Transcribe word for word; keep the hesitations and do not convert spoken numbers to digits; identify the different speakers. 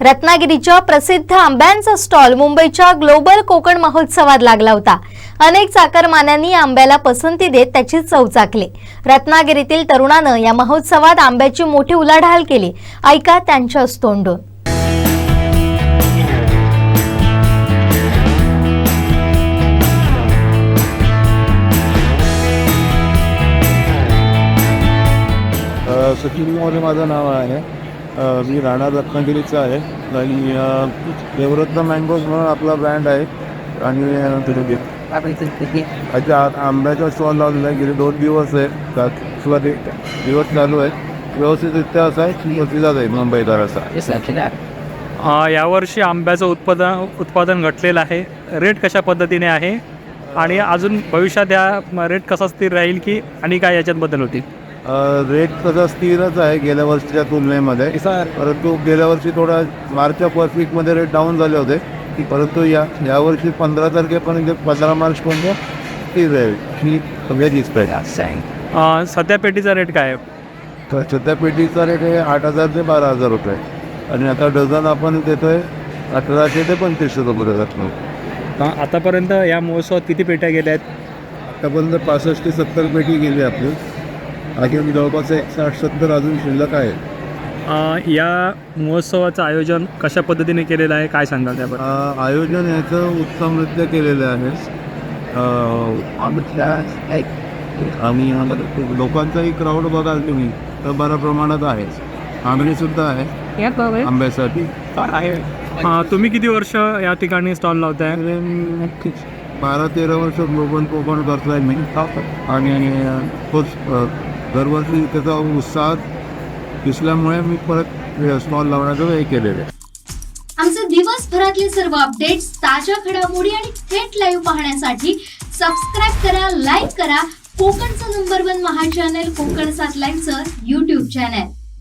Speaker 1: रत्नागिरीच्या प्रसिद्ध आंब्यांचा स्टॉल मुंबईच्या ग्लोबल कोकण महोत्सवात लागला होता। अनेक चाकरमान्यांनी आंब्याला पसंती देत त्याची चव चाखली। रत्नागिरीतील तरुणानं या महोत्सवात आंब्याची मोठी उलाढाल केली। ऐका त्यांच्याच तोंडून।
Speaker 2: सचिन मोरे माझं नाव आहे। मी राणा रत्नागिरीचा आहे आणि देवरत्न मँगोज म्हणून आपला ब्रँड आहे आणि अच्छा आंब्याचा स्टॉल लावलेला आहे। गेले दोन दिवस आहे किंवा दिवस चालू आहे। व्यवस्थितरित्या असा आहे प्रतिसाद आहे मुंबईकर असा।
Speaker 3: यावर्षी आंब्याचं उत्पादन उत्पादन घटलेलं आहे। रेट कशा पद्धतीने आहे आणि अजून भविष्यात या रेट कसा स्थिर राहील की आणि काय याच्यात बदल होतील?
Speaker 2: रेट तसा स्थिरच आहे गेल्या वर्षीच्या तुलनेमध्ये, परंतु गेल्या वर्षी थोडा मार्चच्या फर्स्ट वीकमध्ये रेट डाऊन झाले होते, परंतु या यावर्षी पंधरा तारखेपर्यंत पंधरा मार्चपर्यंत स्थिर आहे ही सगळ्याचीच आहे।
Speaker 3: सध्या पेटीचा रेट काय आहे?
Speaker 2: सध्या पेटीचा रेट आहे आठ हजार ते बारा हजार रुपये आणि आता डझन आपण देतो आहे अठराशे ते पंचवीसशे रुपये डझन।
Speaker 3: आतापर्यंत या महोत्सवात किती पेट्या गेल्या आहेत?
Speaker 2: आतापर्यंत पासष्ट ते सत्तर पेटी गेली आपली, अजून जवळपास एक साठ सत्तर अजून शिल्लक आहे।
Speaker 3: या महोत्सवाचं आयोजन कशा पद्धतीने केलेलं आहे, काय सांगाल त्याबद्दल?
Speaker 2: आयोजन याचं उत्तमरित्या केलेलं आहे आणि लोकांचाही क्राऊड बघाल तुम्ही तर बऱ्या प्रमाणात आहे। मागणीसुद्धा आहे आंब्यासाठी।
Speaker 3: तुम्ही किती वर्ष या ठिकाणी स्टॉल लावताय?
Speaker 2: बारा तेरा वर्ष ग्लोबल कोकण करतोय मी आणि खूप दरवर्षी त्याचा उत्साह दिसल्यामुळे मी परत स्टॉल लावण्याचं हे केलेलं आहे।
Speaker 4: आमचे दिवसभरातले सर्व अपडेट्स, ताज्या घडामोडी आणि थेट लाईव्ह पाहण्यासाठी सबस्क्राईब करा, लाईक करा कोकणचं नंबर वन महा चॅनल कोकण सात लाईव्हचं यूट्यूब चॅनल।